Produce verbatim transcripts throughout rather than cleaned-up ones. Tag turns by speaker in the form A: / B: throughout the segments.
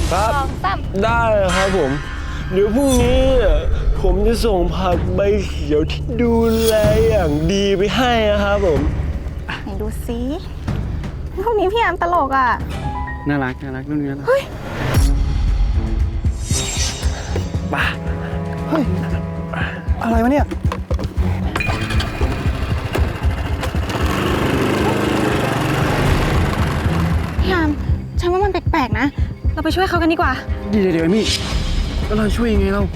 A: ครับได้ครับผมเดี๋ยวพรุ่งนี้ผมจะส่งผักใบเขียวที่ดูแลอย่างดีไปให้นะครับผม
B: ไหนดูสิพวกนี้พี่แอมตลกอ่ะ
C: น่ารักน่ารักนู่นนี่นะ
B: เฮ้ย
C: บ้าเฮ้ยอะไรวะเนี่ย
B: พี่แอมฉันว่ามันแปลกๆนะเราไปช่วยเขากันดีกว่า
C: เดี๋ยวเดี๋ยวมี่แล้วเราช่วยยังไงเรา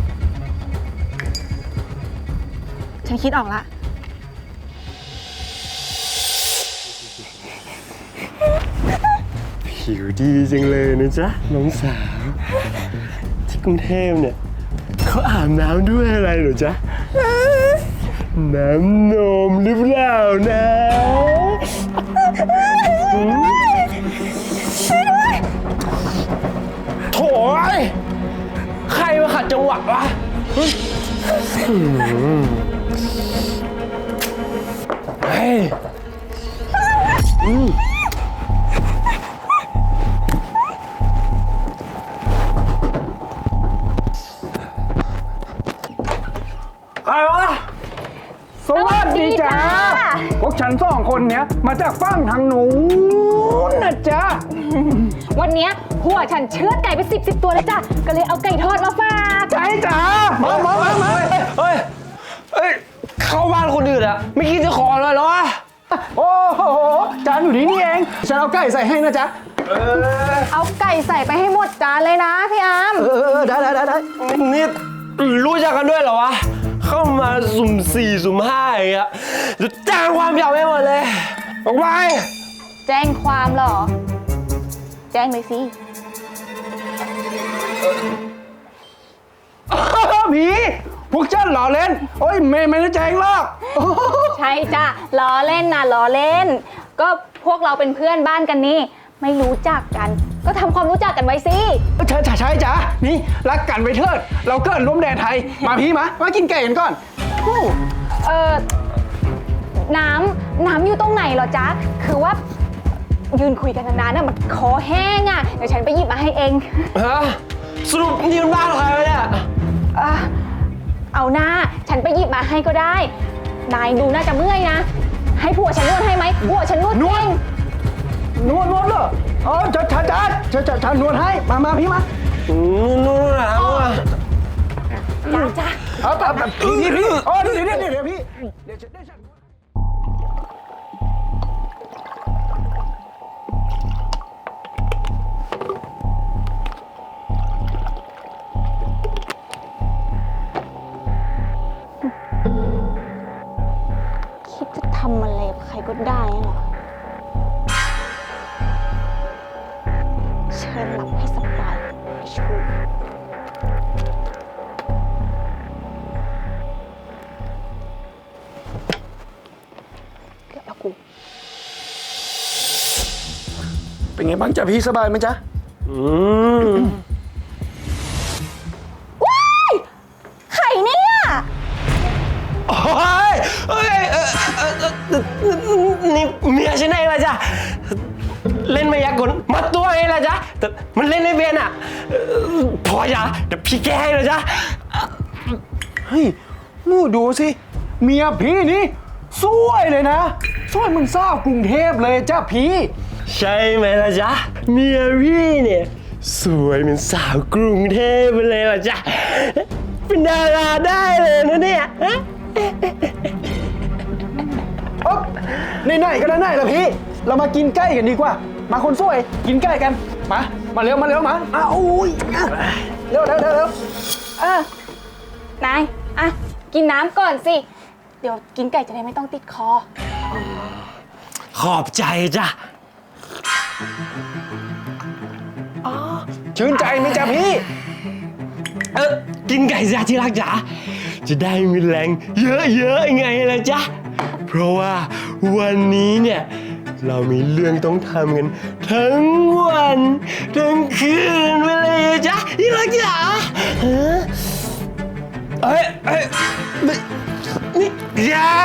B: ฉันคิดออกละ
A: ผิวดีจังเลยนะจ๊ะน้องสาวที่กรุงเทพเนี่ยเขาอาบน้ำด้วยอะไรเหรอจ๊ะน้ำนมหรือเปล่านะโถ่ใครมาขัดจังหวะวะเฮ้ยอืมใครวะ
C: สวัสดีจ้าพวกฉันสองคนเนี้ยมาจากฝั่งทางนู้นนะจ๊ะ
D: วันนี้หัวฉันเชือดไก่ไปสิบสิบตัวเลยจ้ะก็เลยเอาไก่ทอดมาฝาก
C: ใช่จ้ามามามามา
A: เฮ้ยเฮ้ยเข้าบ้านคนอื่นอะไม่คิดจะขอเลยเหรอ
C: โอ้โหจานอยู่นี่นี่เองฉันเอาไก่ใส่ให้นะจ๊ะ
D: เอาไก่ใส่ไปให้หมดจานเลยนะพี่อาม
C: เออได้ได้ได้ได้
A: นี่รู้จักกันด้วยเหรอวะเข้ามาสุ่มสี่สุ่มห้าอย่างเงี้ยจะแจ้งความยาวไปหมดเลยออกไป
D: แจ้งความเหรอแจ้งเลยสิ
C: ผีพวกเจ้าหล่อเล่นโอ้ยไม่ไม่ได้แจ้งหรอก
D: ใช่จ้ะล้อเล่นนะล้อเล่นก็พวกเราเป็นเพื่อนบ้านกันนี่ไม่รู้จักกันก็ทำความรู้จักกันไว้สิ
C: ใช่ใช่จ้ะนี่รักกันไว้เถิดเราเกิดร่วมแดนไทยมาพี่มามากินไก่กันก่อน
D: เออน้ำน้ำอยู่ตรงไหนเหรอจ๊ะคือว่ายืนคุยกันนานๆน่ะมันคอแห้งอ่ะเดี๋ยวฉันไปหยิบมาให้เอง
A: ฮะสรุปนี่มันบ้านใครวะเนี่ย
D: เอาหน้าฉันไปหยิบมาให้ก็ได้นายดูน่าจะเมื่อยนะให้ผัวฉันนวดให้ไหมผัวฉันนวดเอง
C: นวดนวดเหรออ๋อจัดจัดจัดจัดจัดจัดนวดให้มามาพี่มาน
A: วดนะ
D: จ้าจ้า
C: เอาแบบพี่พี่อ๋อเดี๋ยวเดี๋ยวเดี๋ยวพี่เดี๋ยวฉันเดี๋ยวฉัน
D: คิดจะทำอะไรกับใครก็ได้เหรอเชิญหลับให้สบายไอ้ชูเกือบแล้วกู
C: เป็นไงบ้างจ๊ะพี่สบายไหมจ๊ะ
A: อืม
D: ว้ายไข่เนี่ย
A: โอ้ยเฮ้ยนี่เมียฉันเองละจ้ะเล่นมายากลมาตัวเองละจ้ะแต่มันเล่นไม่เป็นอ่ะพอจ้ะเดี๋ยวพี่แก้ให้เลยจ้ะ
C: เฮ้ยนู่ดูสิเมียพี่นี่สวยเลยนะสวยมึงทราบกรุงเทพเลยจ้ะพี่
A: ใช่ไหมล่ะจ๊ะเมียพี่เนี่ยสวยเป็นสาวกรุงเทพไปเลยล่ะจ๊ะเป็นดาราได้เลยนะเนี่ย
C: อ๊อบไหนๆก็ไหนๆแล้วพี่เรามากินไก่กันดีกว่ามาคนสวยกินไก่กันมามาเร็วมาเร็วมาอ้าวอุ้ยเร็วเร็วเร็วเร็ว
D: เออนายอ่ะกินน้ำก่อนสิเดี๋ยวกินไก่จะได้ไม่ต้องติดคอ
A: ขอบใจจ้ะ
C: ชื่นใจไหมจ๊ะพี่
A: เออกินไก่จ้ะที่รักจ๋าจะได้มีแรงเยอะๆไงล่ะจ๊ะเพราะว่าวันนี้เนี่ยเรามีเรื่องต้องทำกันทั้งวันทั้งคืนไปเลยจ๊ะที่รักจ๋าเอ้ยเอ้ยนี่อย่า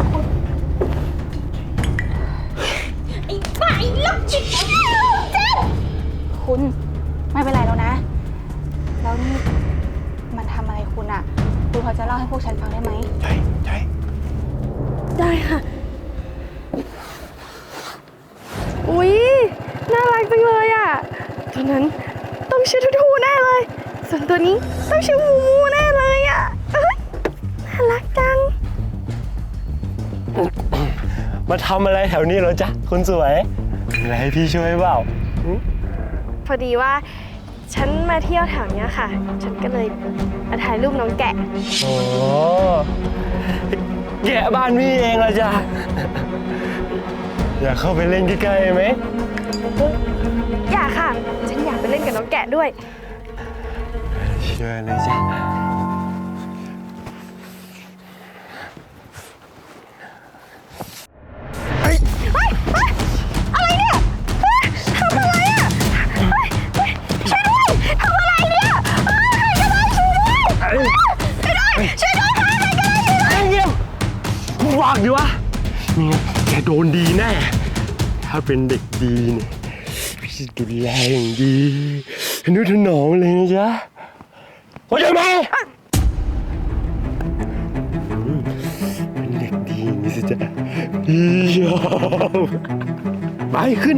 D: ไอ้บ้าไอ้ลูกจิ๋วเจ๊
B: คุณ ไม่เป็นไรแล้วนะ แล้วนี่มันทำอะไรคุณอะคุณพอจะเล่าให้พวกฉันฟังได้ไหม
A: ใช่ใช่
E: ได้ค่ะ อุ๊ย น่ารักจังเลยอ่ะ ตัวนั้นต้องชื่อทูทูแน่เลย ส่วนตัวนี้ต้องชื่อมูมูแน่เลยอ่ะเอ้ยน่ารักจัง
A: มาทำอะไรแถวนี้เหรอจ๊ะคนสวยมีอะไรให้พี่ช่วยเปล่า
E: พอดีว่าฉันมาเที่ยวแถวเนี้ยค่ะ ฉันก็เลยมาถ่ายรูปน้องแกะ
A: โอ้แกะบ้านพี่เองเหรอจ๊ะ อยากเข้าไปเล่นใกล้ๆไหม
E: อยากค่ะ ฉันอยากไปเล่นกับน้องแกะด้วย
A: เชิญเลยจ้ะเฮ้ย
E: อะไรเนี่ยเฮ้ยทำอะไรอ่ะเฮ้ยเฮ้ยช่วยด้วยทำอะไรเนี่ยเฮ้ยใครก็ได้ช่วยด้วยช่วยด้วยช่วยด้วยค่ะใครก็ได้ช่วยด้วย
A: ไอ้เงี้ยมึงวางดิวะเนี่ยแกโดนดีแน่ ถ้าเป็นเด็กดีเนี่ยพี่จะดูแลอย่างดีทนุถนอมเลยนะจ๊ะเข้าใจไหมอืมเป็นเด็กดีนี่สิจ๊ะพี่ชอบไปขึ้น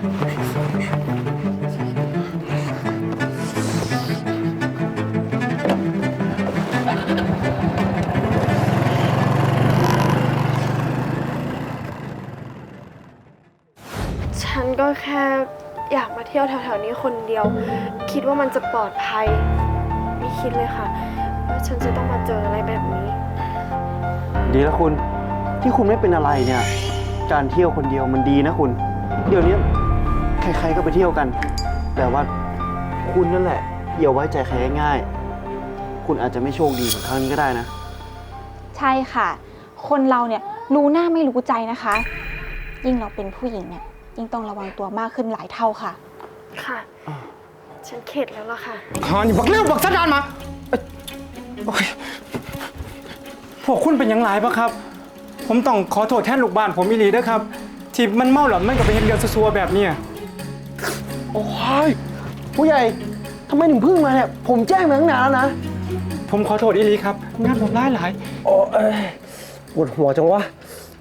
E: ฉันก็แค่อยากมาเที่ยวแถวๆนี้คนเดียว คิดว่ามันจะปลอดภัย ไม่คิดเลยค่ะว่าฉันจะต้องมาเจออะไรแบบนี้
C: ดีแล้วคุณที่คุณไม่เป็นอะไรเนี่ย การเที่ยวคนเดียวมันดีนะคุณ เดี๋ยวนี้ใครๆก็ไปเที่ยวกัน แต่ว่าคุณนั่นแหละอย่าไว้ใจใครง่ายๆคุณอาจจะไม่โชคดีเหมือนครั้งนี้ก็ได้นะ
B: ใช่ค่ะ คนเราเนี่ยรู้หน้าไม่รู้ใจนะคะ ยิ่งเราเป็นผู้หญิงเนี่ยยิ่งต้องระวังตัวมากขึ้นหลายเท่าค่ะ
E: ค่ะ ฉันเข็ดแล้วล่ะค่ะ
C: ฮานี่บักเลี้ยวบักสัดดานมาเอ้ยโอ้ยพวกคุณเป็นหยังไงปะครับ ผมต้องขอโทษแทนลูกบ้านผมอีหลีด้วยครับ ที่มันเมาหลอนมันก็ไปเห็นเรื่องซัวๆแบบเนี้ยโอ้ยผู้ใหญ่ทำไมถึงเพิ่งมาเนี่ย ผมแจ้งมาตั้งนานแล้วนะ ผมขอโทษอีหลีครับ งานผมร้ายหลายโอ้ยปวดหัวจังวะ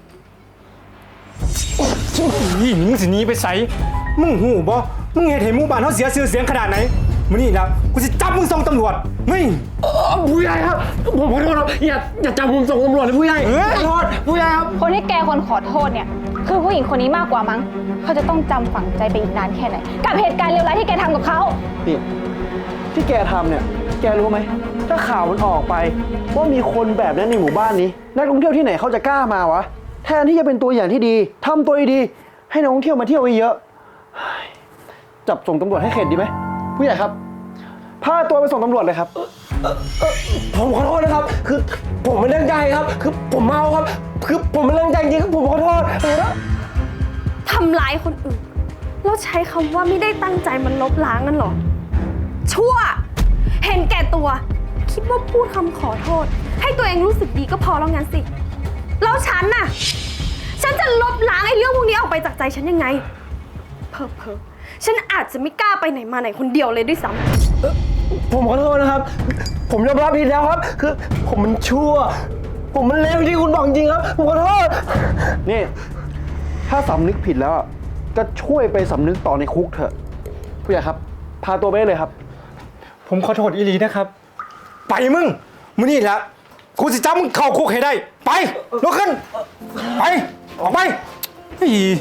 C: นี่มึงสิหนี้ไปใส่มึงหูบ่มึงเห็นเห็นหมู่บ้านเขาเสียชื่อเสียงขนาดไหนมื้อนี้นะกูจะจับมึงส่งตำรวจนี่ผู้ใหญ่ครับผมขอโทษครับอย่าอย่าจับผมส่งตำรวจเลยผู้ใหญ่ขอโทษผู้ใหญ่ครับ
B: คนที่แกคนขอโทษเนี่ยคือผู้หญิงคนนี้มากกว่ามั้งเขาจะต้องจำฝังใจไปอีกนานแค่ไหนกับเหตุการณ์เลวร้ายที่แกทำกับเขา
C: นี่ที่แกทำเนี่ย แกรู้ไหมถ้าข่าวมันออกไปว่ามีคนแบบนั้นในหมู่บ้านนี้นักท่องเที่ยวที่ไหนเขาจะกล้ามาวะแทนที่จะเป็นตัวอย่างที่ดีทำตัวดีๆให้นักท่องเที่ยวมาเที่ยวเยอะๆจับส่งตำรวจให้เข็ดดีไหมผู้ใหญ่ครับพาตัวไปส่งตำรวจเลยครับผมขอโทษนะครับ คือผมไม่ตั้งใจครับ คือผมเมาครับ คือผมไม่ตั้งใจจริงครับผมขอโทษ
E: ทำร้ายคนอื่น แล้วใช้คำว่าไม่ได้ตั้งใจมันลบล้างนั่นเหรอ ชั่ว เห็นแก่ตัว คิดว่าพูดคำขอโทษ ให้ตัวเองรู้สึกดีก็พอแล้วงั้นสิ แล้วฉันน่ะ ฉันจะลบล้างไอ้เรื่องพวกนี้ออกไปจากใจฉันยังไง เพอเพอๆฉันอาจจะไม่กล้าไปไหนมาไหนคนเดียวเลยด้วยซ้ำ
C: ผมขอโทษนะครับ ผมยอมรับผิดแล้วครับ คือผมมันชั่ว ผมมันเลวที่คุณบอกจริงครับ ผมขอโทษ นี่ ถ้าสำนึกผิดแล้วอะก็ช่วยไปสำนึกต่อในคุกเถอะ ผู้ใหญ่ครับ พาตัวไปได้เลยครับ
F: ผมขอโทษอีหลีนะครับ ไปมึงมึงนี่แหละกูสิจับมึงเข้าคุกให้ได้ ไปลุกขึ้น ไป ออกไปอี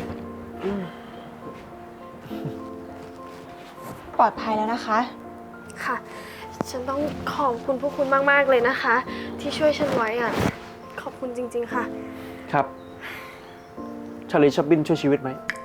B: ปลอดภัยแล้วนะคะ
E: ค่ะ ฉันต้องขอบคุณพวกคุณมากๆเลยนะคะ ที่ช่วยฉันไว้อะขอบคุณจริงๆค่ะ
C: ครับชาลีชับบินช่วยชีวิตไหม